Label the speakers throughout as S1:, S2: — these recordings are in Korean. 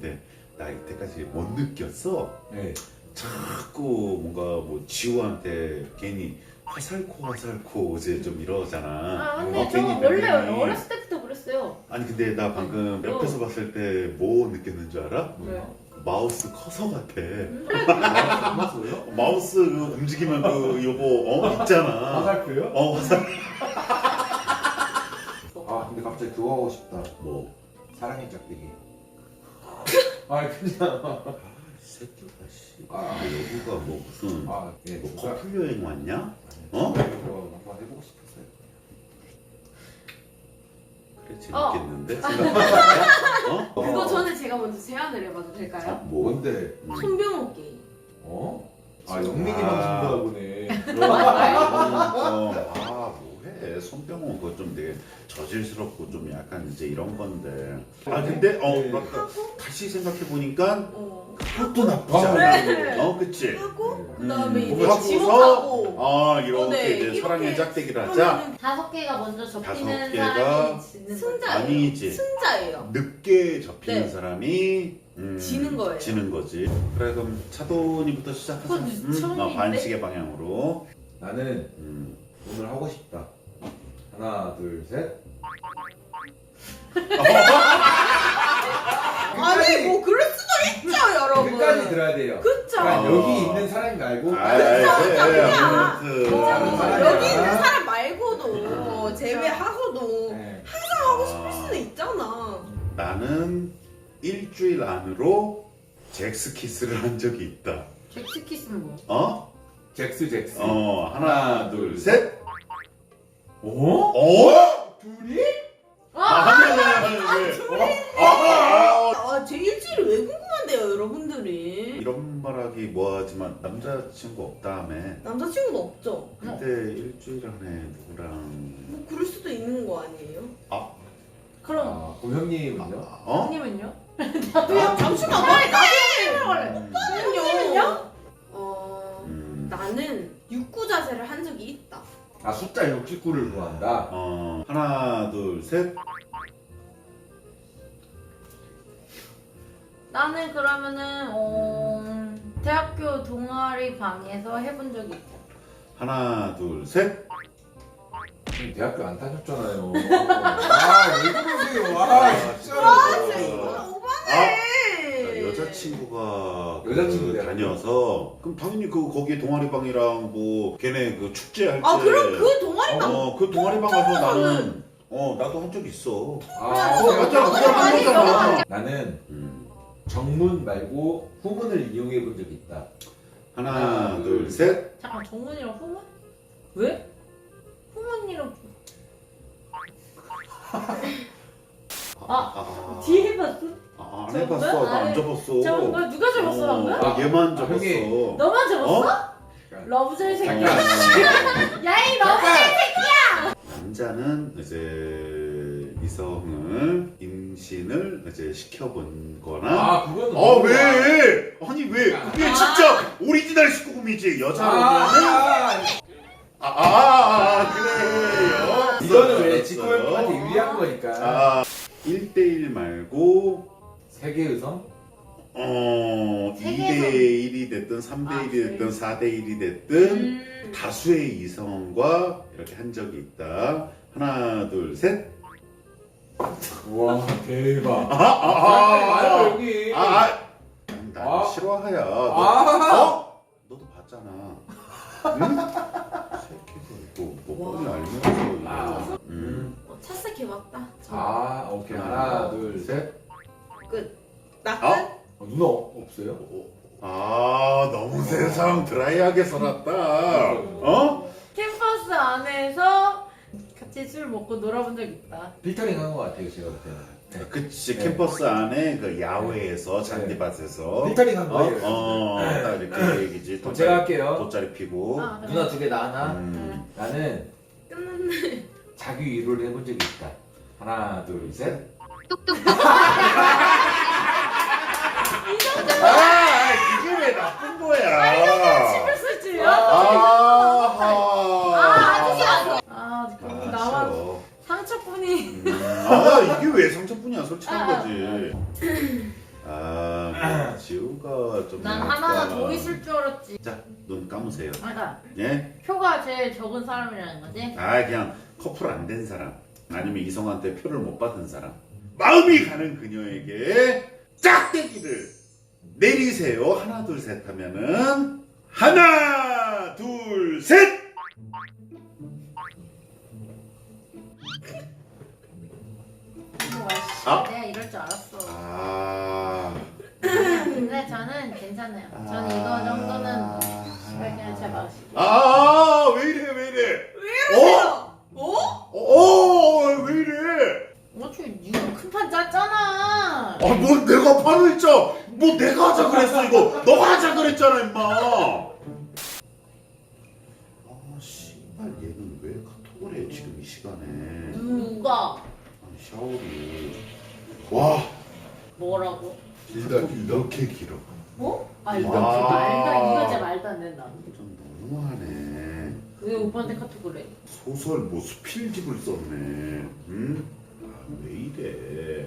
S1: 근데 나 이때까지 못 느꼈어.
S2: 네.
S1: 자꾸 뭔가 뭐 지호한테 괜히 화살코 이제 좀 이러잖아.
S3: 아 근데 저
S1: 괜히
S3: 원래
S1: 괜히.
S3: 어렸을 때부터 그랬어요.
S1: 아니 근데 나 방금 옆에서 봤을 때 뭐 느꼈는 줄 알아?
S3: 왜요?
S1: 마우스 커서 같아.
S2: 맞았어요?
S1: 마우스 그 움직이면 그 요거 있잖아.
S2: 화살표요?
S1: 화살.
S2: 아 근데 갑자기 그거 하고 싶다.
S1: 뭐?
S2: 사랑의 짝대기. 아 그냥.
S1: 이 새끼가 씨.
S2: 아.
S1: 여기가 뭐 무슨
S2: 아 예.
S1: 뭐
S2: 누가
S1: 커플 여행 왔냐?
S2: 이거 한번 해보고 싶었어요.
S1: 그래 재밌겠는데?
S3: 그거 전에 제가 먼저 제안을 해봐도 될까요?
S1: 뭐?
S2: 뭔데?
S3: 손병호 게임.
S2: 어? 아 영민이 방송도 보네.
S1: 뭐해 손병호 그거 좀 되게 저질스럽고 좀 약간 이제 이런 건데. 아 근데
S2: 네.
S1: 맞다. 다시 생각해 보니까 그것도 나쁘지
S2: 아,
S1: 않아.
S3: 네.
S1: 그치?
S3: 하고 그다음에 이제
S1: 뭔가
S3: 지목하고
S1: 이렇게
S3: 네,
S1: 이제
S3: 이렇게
S1: 사랑의 짝대기를 하자.
S3: 5개가 먼저 접히는
S1: 다섯 개가
S3: 사람이 지는
S4: 승자예요.
S1: 아니지.
S4: 승자예요.
S1: 늦게 접히는
S4: 네.
S1: 사람이
S4: 지는 거예요.
S1: 지는 거지. 그래 그럼 차돈이부터 시작하자.
S3: 그건 처음인데?
S1: 반칙의 방향으로.
S2: 나는 오늘 하고 싶다. 하나 둘 셋.
S4: 아니 뭐 그럴 수도 있죠 여러분.
S2: 끝까지 들어야 돼요.
S4: 그쵸.
S2: 그러니까 여기 있는 사람이 말고
S1: 아무튼
S4: 여기 있는 사람 말고도 제외하고도
S2: 네.
S4: 하고 싶을 수도 있잖아.
S1: 나는 일주일 안으로 잭스키스를 한 적이 있다.
S3: 잭스키스는 뭐?
S1: 어?
S2: 잭스.
S1: 하나 둘 셋.
S2: 둘이?
S4: 제 일주일이 왜 궁금한데요 여러분들이.
S1: 이런 말하기 뭐하지만 남자친구 없다며.
S4: 남자친구도 없죠.
S1: 근데 일주일 안에 누구랑
S4: 뭐 그럴 수도 있는 거 아니에요?
S3: 그럼
S2: 그럼 형님은요?
S3: 형님은요?
S4: 잠시만 빨리
S3: 형님은요?
S4: 나는요.
S1: 나는
S4: 나는 육구 자세를 한 적이 있다.
S2: 아 숫자 69를 좋아한다.
S1: 하나 둘 셋.
S3: 나는 그러면은 대학교 동아리 방에서 해본 적이 있어.
S1: 하나 둘 셋.
S2: 형님 대학교 안 다녔잖아요. 아왜 그러세요? 아 진짜.
S4: 이거 오바네.
S1: 여자친구가 다녀서 그럼 당연히 거기 동아리방이랑 뭐 걔네 그 축제할 때
S4: 그럼 그 동아리방
S1: 그 동아리방 가서 나는 나도 한 적 있어.
S2: 맞잖아. 나는 정문 말고 후문을 이용해 본 적이 있다.
S1: 하나 둘 셋.
S3: 잠깐 정문이랑 후문? 왜? 후문이랑 뒤에 해봤어?
S1: 안 해봤어. 나 안 접었어.
S3: 잠깐 뭐 누가 접었어 방금?
S1: 얘만 접었어.
S2: 형님.
S3: 너만 접었어? 러브젤 새끼야.
S2: 잠깐.
S3: 야이 러브젤 새끼야.
S1: 남자는 이제 이성을 임신을 이제 시켜본 거나
S2: 그건
S1: 왜? 아니 왜? 그게 진짜 오리지널 19금이지. 여자로는 그래요.
S2: 이거는 왜 지코 형한테 유리한 거니까.
S1: 1대1 말고
S2: 세계 의성?
S1: 2대1이 됐든 3대1이 됐든 4대1이 됐든 다수의 이성과 이렇게 한 적이 있다. 하나 둘 셋.
S2: 와 대박.
S1: 빨리
S2: 여기.
S1: 나 싫어하야. 너도 봤잖아. 응? 새끼가 뭐 뻔히 알면서.
S4: 착색해봤다.
S2: 오케이. 하나 둘 셋.
S4: 나 끝?
S2: 누나 없어요?
S1: 너무 세상 드라이하게 살았다.
S3: 캠퍼스 안에서 같이 술 먹고 놀아본 적 있다.
S2: 필터링 한 거 같아요 제가 볼 때는.
S1: 그치.
S2: 네.
S1: 캠퍼스 안에 그 야외에서 잔디밭에서
S2: 필터링 한 거예요.
S1: 딱 이렇게 얘기지.
S2: 그럼 제가 할게요.
S1: 돗자리 피고.
S2: 누나 2개 나 하나. 나는
S4: 끝났네.
S2: 자기 위로를 해본 적이 있다. 하나 둘 셋.
S1: 이게 왜 나쁜 거야?
S3: 침을 쓸지요?
S4: 아저씨 왔어.
S3: 그럼 나만 상처뿐이.
S1: 이게 왜 상처뿐이야? 솔직한 거지. 아, 지우가 좀.
S3: 난
S1: 약간-
S3: 하나가 더 있을 줄 알았지.
S1: 자, 눈 감으세요.
S3: 그러니까
S1: 예?
S3: 표가 제일 적은 사람이라는 거지.
S1: 아, 그냥 커플 안 된 사람. 아니면 이성한테 표를 못 받은 사람. 마음이 가는 그녀에게 짝대기를 내리세요. 하나, 둘, 셋 하면은 하나, 둘, 셋! 아?
S3: 내가 이럴 줄 알았어.
S1: 아.
S3: 근데 저는 괜찮아요. 저는 이거 정도는 그냥 제 맛이.
S1: 아, 왜 이래, 왜 이래? 왜 이래?
S3: 어차피 니가 큰판 짰잖아.
S1: 아, 뭐 내가 판을 짜? 뭐 내가 하자 그랬어 이거? 너가 하자 그랬잖아 임마. 아, 씨발 얘는 왜 카톡을 해 지금 이 시간에?
S3: 누가?
S1: 아니, 샤오리. 와,
S3: 뭐라고?
S2: 길다.
S1: 이렇게 길어.
S3: 어? 아 이거
S1: 와.
S3: 이거 진짜 말도 안 된다.
S1: 좀 너무하네.
S3: 왜 오빠한테 카톡을 해?
S1: 소설 뭐 수필집을 썼네. 응? 아, 왜 이래?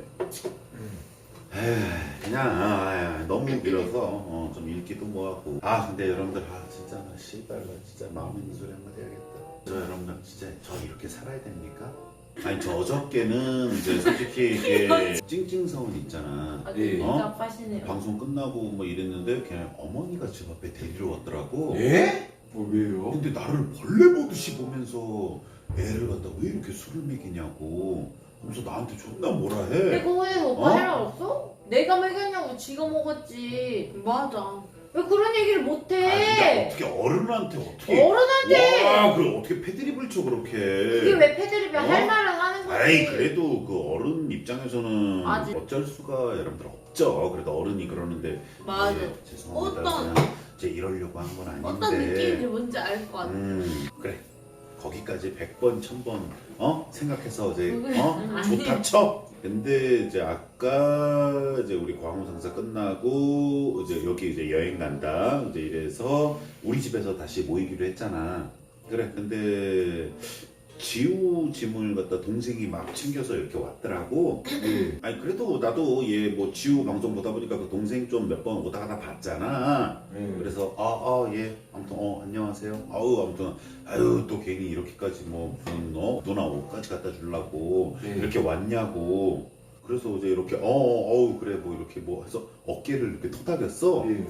S1: 에이, 그냥 너무 길어서 좀 읽기도 뭐하고. 아, 근데 여러분들 진짜 나 씨발 나 진짜 마음 있는 소리 한마디 해야겠다. 저 여러분들 진짜 저 이렇게 살아야 됩니까? 아니 저 어저께는 이제 솔직히 이게 찡찡서운 있잖아.
S3: 아
S2: 예.
S3: 진짜 빠시네요.
S1: 방송 끝나고 뭐 이랬는데 그냥 어머니가 집 앞에 데리러 왔더라고.
S2: 예? 왜요?
S1: 근데 나를 벌레 보듯이 보면서 애를 갖다 왜 이렇게 술을 먹이냐고 하면서 나한테 존나 뭐라 해.
S3: 내가 왜 오빠
S1: 어?
S3: 해라 없어? 내가 먹였냐고 지가 먹었지.
S4: 맞아.
S3: 왜 그런 얘기를
S1: 아, 근데
S3: 못해?
S1: 어떻게 어른한테 어떻게
S3: 어른한테
S1: 와, 그래 어떻게 패드립을 쳐 그렇게.
S3: 그게 왜 패드립이야?
S1: 어?
S3: 할 말은 하는 거지.
S1: 아이 그래도 그 어른 입장에서는
S3: 맞아.
S1: 어쩔 수가 여러분들 없죠. 그래도 어른이 그러는데
S4: 맞아.
S1: 예, 죄송합니다.
S4: 어떤-
S1: 그냥 제 이러려고 한 건 아닌데.
S4: 어떤 느낌인지 뭔지 알 것 같아.
S1: 그래 거기까지 100번 1000번 생각해서 이제
S3: 아니.
S1: 좋다 쳐. 근데 이제 아까 이제 우리 광우 상사 끝나고 이제 여기 이제 여행 간다 이제 이래서 우리 집에서 다시 모이기로 했잖아. 그래 근데 지우 짐을 갖다 동생이 막 챙겨서 이렇게 왔더라고.
S2: 예.
S1: 아니 그래도 나도 얘 뭐 지우 방송 보다 보니까 그 동생 좀 몇 번 오다 가다 봤잖아.
S2: 예.
S1: 그래서 예 아무튼 안녕하세요. 아무튼 또 괜히 이렇게까지 뭐 무슨 누나 옷까지 갖다 주려고
S2: 네.
S1: 이렇게 왔냐고. 그래서 이제 이렇게 그래 뭐 이렇게 뭐 해서 어깨를 이렇게 토닥였어.
S2: 예.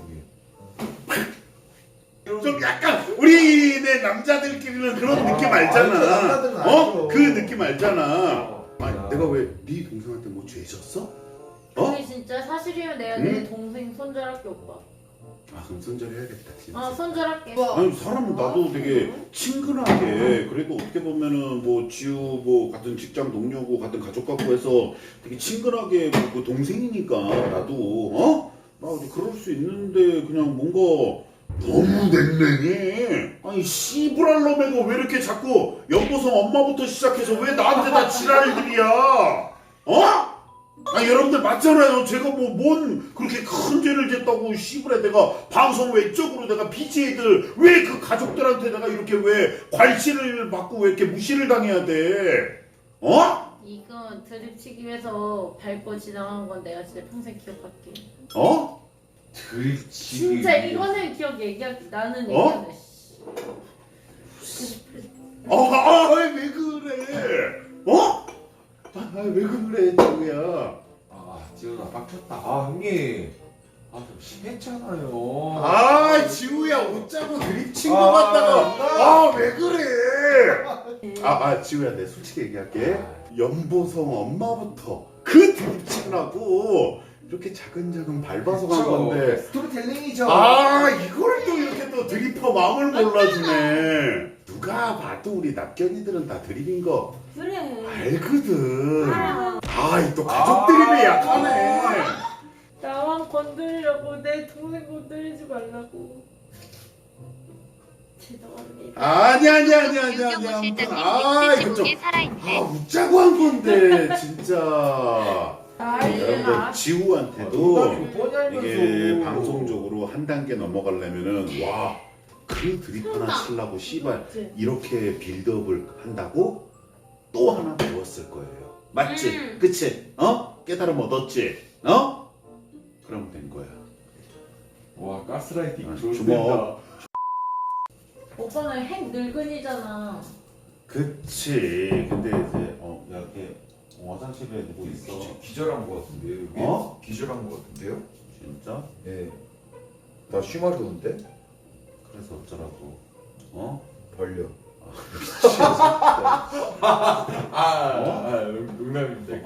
S1: 좀 약간 우리네 남자들끼리는 그런 느낌 알잖아.
S2: 남자들은 알죠.
S1: 그 느낌 알잖아. 아니
S2: 아.
S1: 내가 왜 네 동생한테 뭐 죄졌어?
S3: 그게 진짜 사실이면 내가
S1: 응?
S3: 내 동생 손절할게 오빠.
S1: 아 그럼 손절해야겠다 진짜.
S3: 손절할게.
S1: 아니 사람은 나도 되게 친근하게 그래도 어떻게 보면은 뭐 지우 뭐 같은 직장 동료고 같은 가족 같고 해서 되게 친근하게 그 동생이니까 나도 나 그럴 수 있는데 그냥 뭔가 너무 냉랭해. 아니 씨부랄 놈애가 왜 이렇게 자꾸 연보성 엄마부터 시작해서 왜 나한테 다 지랄들이야? 아니 여러분들 맞잖아요. 제가 뭐 뭔 그렇게 큰 죄를 졌다고 씨부레 내가 방송 외적으로 내가 BJ들 왜 그 가족들한테 내가 이렇게 왜 괄시를 받고 왜 이렇게 무시를 당해야 돼?
S3: 이거 드립치기 위해서 밟고 지나간 건 내가 진짜 평생 기억할게.
S2: 들치기.
S3: 진짜 이거는 얘기할게. 나는 얘기한다.
S1: 왜 그래? 왜 그래 지우야?
S2: 지훈아 빡쳤다. 형님. 좀 심했잖아요.
S1: 지우야 웃자고 드립친 거 같다가 왜 그래? 지우야 내 솔직히 얘기할게. 연보성 엄마부터 그 드립치라고 이렇게 차근차근 밟아서 간 건데
S2: 스토리텔링이죠.
S1: 이걸 또 이렇게 또 드립퍼 마음을 몰라주네. 누가 봐도 우리 납견이들은 다 드립인 거
S4: 그래.
S1: 알거든.
S4: 알아.
S1: 또 가족 드립에 약하네.
S3: 나만 건드리려고 내 동생 건드리지 말라고. 죄송합니다.
S1: 아니야.
S5: 유경호 실장님
S1: 이거 좀
S5: 게 살아있네.
S1: 웃자고 한 건데 진짜. 여러분들
S3: 알겠어.
S1: 지우한테도
S2: 뻔히
S1: 이게
S2: 알면서.
S1: 방송적으로 한 단계 넘어가려면은 그 드립 하나 치려고 씨발 이렇게 빌드업을 한다고 또 하나 배웠을 거예요. 맞지? 그치? 깨달음 얻었지?
S2: 가스라이팅
S1: 아,
S2: 좋습니다.
S1: 주먹.
S3: 오빠는 핵 늙은이잖아.
S1: 그치. 근데 이제 야, 걔 화장실에 누구 있어?
S2: 기절한 거 같은데요? 여기?
S1: 어?
S2: 기절한 거 같은데요?
S1: 진짜?
S2: 예. 나 쉬마리 오는데?
S1: 그래서 어쩌라고?
S2: 벌려. 농담입니다.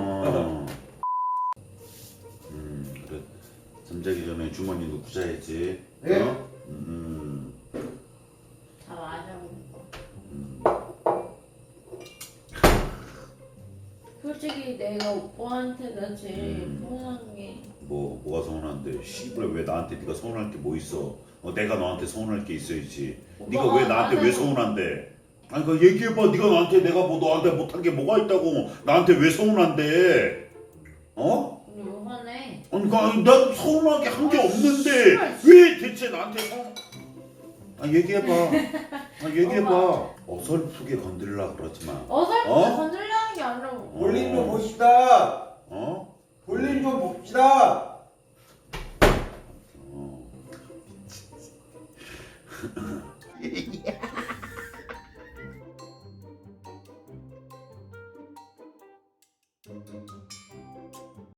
S1: 그래. 잠자기 전에 주머니 넣고 자야지.
S2: 네?
S1: 어?
S3: 잘 아냐고. 솔직히 내가 오빠한테가 제일 서운한 게
S1: 뭐가 서운한데? 씨발 왜 나한테 네가 서운할 게 뭐 있어? 내가 너한테 서운할 게 있어야지. 네가 왜 나한테 왜 서운한데? 아니 그 얘기해봐. 네가 나한테 내가 뭐 너한테 못한 게 뭐가 있다고 나한테 왜 서운한데?
S3: 근데 왜 화내?
S1: 아니 난 서운하게 한 게 없는데 왜 대체 나한테 얘기해봐. 얘기해봐. 어설프게 건드리려 그러지 마.
S3: 어설프게 건들려는 게 아니라
S2: 볼링 좀 봅시다. 볼링 좀 봅시다.